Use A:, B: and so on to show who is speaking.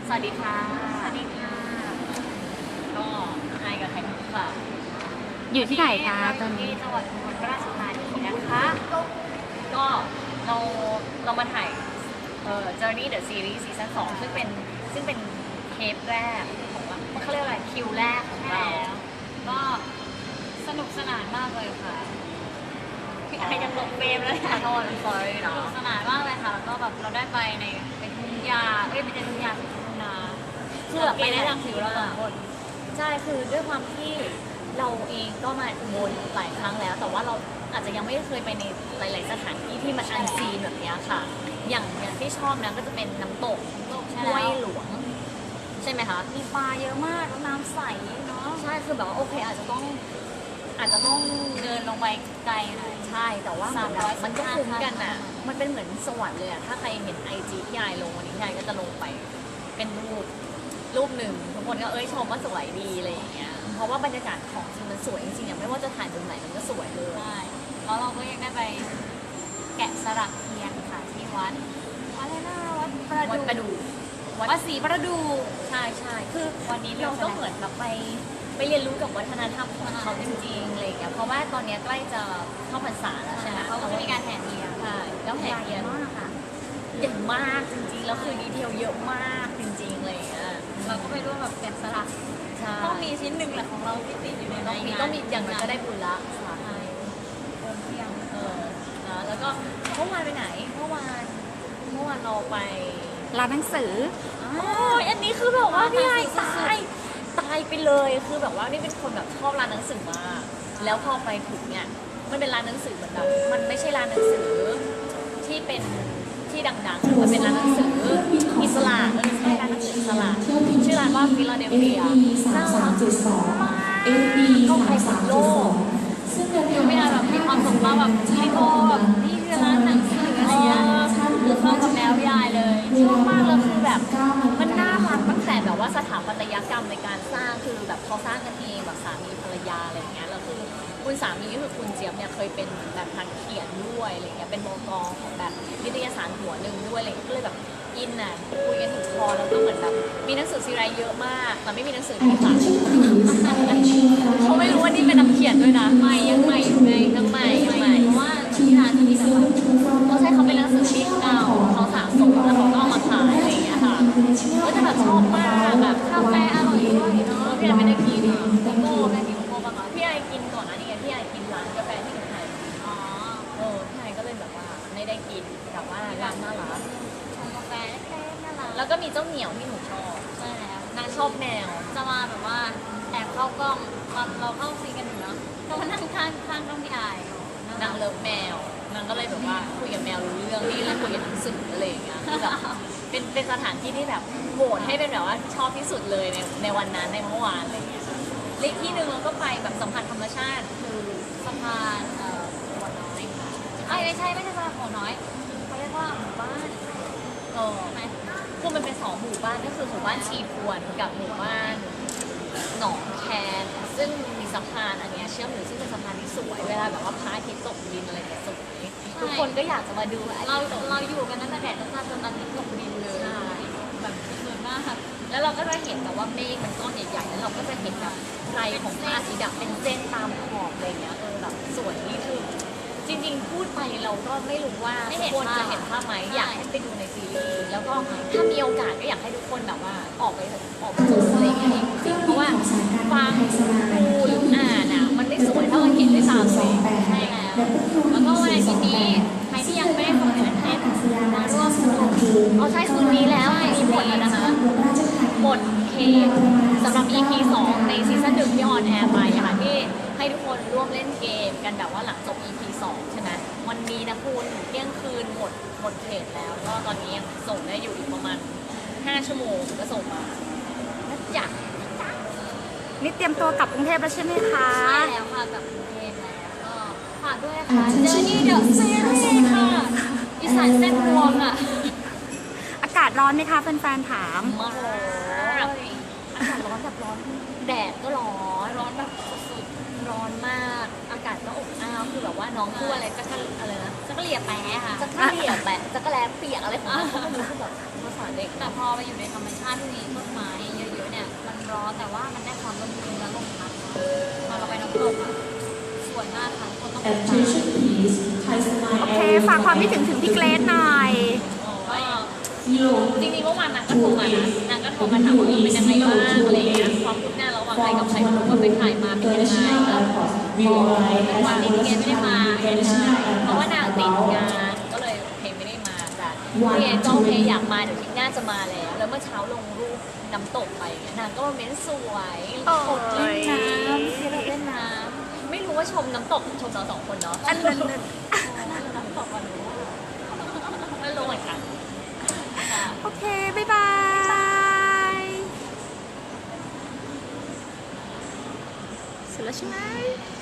A: สวัสดีค่ะ
B: สวัสดีค่ะ
A: ก็ไอกับไข่มุกค่ะ
B: อยู่ที่ไหนคะตอนนี้
A: ที่จังหวัดอุบลราชธานีนะคะก็เราเรามาถ่ายJourney the Series ซีซั่น2ซึ่งเป็นเทปแรกของเราเขาเรียกอะไรคิวแรกของเรา
B: แล้วก็สนุกสนานมากเลยค่ะ
A: พี่ไอยังลงเฟรมเลยค่ะโทษ sorry
B: ส
A: เนาะ
B: นุกสนานมากเลยค่ะแล้วก็แบบเราได้ไปในเป็นทุ่งหญ้าไม่ใช่ทุ่งหญ้าสิทุ่งนา
A: คือแบบ
B: ไปได้ทางผิวเราสองคน
A: ใช่คือด้วยความที่เราเองก็มาอุบลหลายครั้งแล้ว แต่ว่าเราอาจจะยังไม่เคยไปในหลาย ๆ สถานที่ที่มันอันซีนแบบนี้ค่ะอย่างที่ชอบนะก็จะเป็นน้ำตกห้วยหลวงใช่ไหมคะ
B: มีปลาเยอะมากแล้วน้ำใสเนาะ
A: ใช่คือแบบว่าโอเคอาจจะต้อง
B: เดินลงไปไกลหน่อย
A: ใช่แต่ว่ามันก็คุ้มกันอ่ะ
B: 315
A: มันเป็นเหมือนสวรรค์เลยอ่ะถ้าใครเห็นIGที่ยายลงวันนี้ยายก็จะลงไปเป็นรูปหนึ่งทุกคนก็ชมว่าสวยดีอะไรอย่างเงี้ยเพราะว่าบรรยากาศของจริงมันสวยจริงๆอ่ะไม่ว่าจะถ่ายมุมไหนมันก็สวยเลย
B: ใช่แล้วเราก็ยังได้ไปแกะสลักเทียนค่ะที่วัดอะไรนะวัดประดู วัดศรีประดู
A: ใช่ใช่คือ
B: วันนี้
A: เราก็เหมือนแบบไปเรียนรู้กับวัฒนธรรมของเขาจริงๆอะไรอย่างเงี้ยเพราะว่าตอนนี้ใกล้จะเข้าพรรษาแล้วใช่ไหม
B: เขาก็จะมีการแห่เทียน
A: ใช่แล้วแห่เทียน
B: มากค่ะ
A: ใหญ่มากจริงๆแล้วคือดีเทลเยอะมากจริงๆอะไรอย่างเงี้ย
B: เราก็ไปร่วมแบบแกะสลัก
A: ใช่
B: ต้องมีชิ้นหนึ่งแหละของเราที่ติดอยู่ใน
A: ต้องมีอย่างน้อยก็ได้บุญละสาธุ
B: ใช่โอมเทียม
A: นะแล้วก็เมื่อวานไปไหนเมื่อวานเราไป
B: ร้านหนังสือ
A: โอ้ยอันนี้คือแบบว่าพี่ไอ้ตายไปเลยคือแบบว่านี่เป็นคนแบบชอบร้านหนังสือมากแล้วพอไปถึงเนี่ยมันเป็นร้านหนังสือเหมือนแบบมันไม่ใช่ร้านหนังสือที่เป็นที่ดังๆมันเป็นร้านหนังสืออิสระมันใช่ร้านหนังสืออิสระชื่อร้านว่าฟิลาเดลเฟียน่ารักมากเข้าไปสุดโลก
B: คือไม่ได้แบบมีความสุขมากแบบพี่โบแบบนี่คือร้านหนังสืออะไรเงี้ยคือเข้ากับแนวพี่ไอเลย
A: ชอบมากเลยคือแบบมันน่ารักตั้งแต่แบบว่าสถาปัตยกรรมในการสร้างคือแบบเขาสร้างกันเองแบบสามีภรรยาอะไรอย่างเงี้ยแล้วคือคุณสามีก็คือคุณเจี๊ยบเนี่ยเคยเป็นแบบนักเขียนด้วยอะไรเงี้ยเป็นบก.ของแบบนิตยสารหัวหนึ่งด้วยอะไรเงี้ยก็เลยแบบอินอ่ะคุยกันถึงคอแล้วก็เหมือนแบบมีหนังสือซีไรเยอะมากแต่ไม่มีหนังสือที่ขายเขาไม่รู้ว่านี่เป็นนักเขียนด้วยนะ
B: ยังใหม่อยู่ไง
A: ยังใหม่
B: เพราะว่าที่ร้านที่นี่แบบ
A: เขาใช้เขาเป็นหนังสือที่เก่าเขาสะสมแล้วเขาก็เอามาขายอะไรอย่างเงี้ยค่ะก็จะแบบชอบมากแบบ
B: กาแฟอร่อยด้วยเนาะ
A: พี่ไอไม่ได้กิน
B: โกโก้ได้กินโกโก้บ้างเหรอ
A: พี่ไอกินก่อนนะนี่ไงพี่ไอกินร้านกาแฟที่ไทย
B: อ๋อ
A: พี่ไอก็เลยแบบว่าไม่ได้กินแต่ว่าร้านน่ารัก
B: ชงกาแฟเล็กๆน่ารัก
A: แล้วก็มีเจ้าเหนียวที่หนูชอบ
B: ใช่แล้ว
A: นางชอบแมว
B: จะมาแบบว่าแอบเข้ากล้องตอนเราเข้าซีนกันอยู่เนาะก็มานั่งข้างต้องพี่ไอ
A: นางเลิฟแมวนางก็เลยแบบว่าคุยกับแมวรู้เรื่องนี่เลยคุยกับหนังสืออะไรอย่างเงี้ยคือแบบเป็นสถานที่ที่แบบโหวตให้เป็นแบบว่าชอบที่สุดเลยในวันนั้นในเมื่อวานอะไรอย่างเงี้ยเลขที่หนึ่งเราก็ไปแบบสัมผัสธรรมชาติ
B: คือสะพานหัวน้อยค่ะไม่ใช่สะพานหัวน้อยเขาเรียกว่าหมู่บ้าน
A: ไหมคือมันเป็นสองหมู่บ้านก็คือหมู่บ้านชีพวนกับหมู่บ้านหนองแคนซึ่งมีสะพานอันเนี้ยเชื่อมอยู่ซึ่งเป็นสะพานที่สวยเวลาแบบว่าพระอาทิตย์ตกดินอะไรเนี่ยสวยทุกคนก็อยากจะมาดู
B: เราอยู่กันตั้งแต่แดดตั้งแต่จนอาทิตย์ตกดินเลย
A: ใช่
B: แบบสวยมากค่ะ
A: แล้วเราก็จะเห็นแบบว่าเมฆมันก้อนใหญ่ๆแล้วเราก็จะเห็นแบบไฟของพระอาทิตย์แบบเป็นเส้นตามขอบอะไรเงี้ยแบบสวยนี่คือจริงๆพูดไปเราก็ไม่รู้ว่าทุกคนจะเห็นภาพไหมอยากให้ไปดูในซีรีส์แล้วก็ถ้ามีโอกาสก็อยากให้ทุกคนแบบว่าออกไปดูอะไรเงี้ยจริงๆเพราะว่าฟังดูหรืออ่านอ่ะมันไม่สวยเท่าเราเห็นด้วยตาตัวเอง
B: ใช่แล้วแล้วก็วันอาทิตย์นี้ใครที่ยังไม่ได้ฟังในเทปมาร่วมสนุก
A: เอาใช่คืนนี้แล้วมีหมดแล้วนะคะหมดเขตสำหรับ EP 2 ในซีซั่น1ที่ออนแอร์ไปอะค่ะที่ให้ทุกคนร่วมเล่นเกมกันแบบว่าหลังจบ EP 2 ใช่ไหมวันนี้นะคุณเที่ยงคืนหมดเขตแล้วก็ตอนนี้ยังส่งได้อยู่อีกประมาณ5 ชั่วโมงก็ส่งมานะจ๊ะ
B: นี่เตรียมตัวกลับกรุงเทพแล้วใช่ไหมคะใช่แล้วค่ะกลับกรุงเทพแล้วก็ฝากด้วยค่ะเจอนี่เดอะซีรีส์ค่ะอีสานเส้นรวมอ่ะ
C: อากาศร้อนไหมคะแฟนๆถาม
A: มากอากาศร้อนแบบร้อนแดดก็ร้อน
B: ร้อนแบบสุด
A: ร้อนมาก อากาศก็อบอ้าวคือแบบว่าน้องพูดอะไรจะกระอะไรนะ
B: จะก็เหลี่ยแปะค่ะ
A: จะกระเหลี่ยแปะจะกระแลเปียกอะไรของเขาก็ไม่รู้คือแบบภาษาเด็ก
B: แต่พอไปอยู่ในธรรมชาติที่มีต้นไม้เยอะๆเนี่ย มันร้อนแต่ว่ามันได้ความร่มรื่นและลมพัดพอเราไปน้ำตกอะสวยมากค่ะคนต้องไป
D: Attention please. Thai
C: โอ
D: Smile
C: เค ฝากความคิดถึงพี่เกรซหน่อย
A: ก็
D: Zero
A: จริงๆเมื่อวานนางก็โทรมานะนางก็โทรมาถามว่าเป็นยังไงบ้างอะไรอย่างเงี้ยความคืบหน้าระหว่างใครกับใครไม่รู้ว่าไปถ่ายมาเป็นยังไง
D: International
A: แล้ว
D: Airport. We arrive
A: เมื่อวาน
D: at
A: นี้พี่เกดไม่ได้มา
D: International
A: เพราะว่านางติด
D: Airport.
A: งานก็เลยเพลงไม่ได้มาแต่พี่เกดก็โอเคอยากมาเดี๋ยวทีหน้าจะมาแล้ว แล้วเมื่อเช้าลงรูปน้ำตกไปเนี่ยนางก็มาเม้นสวย
C: โอ้ย
A: กดเล่นน้ำที่เราเล่นน้ำไม่รู้ว่าชมน้ำตกหรือชมเราสองคนเนาะ
C: อันนั้น
A: น้ำตกวันนี้ไม่รู้เหมือนกันค่ะ
C: โอเค บ๊ายบาย เสร็จแล้วใช่ไหม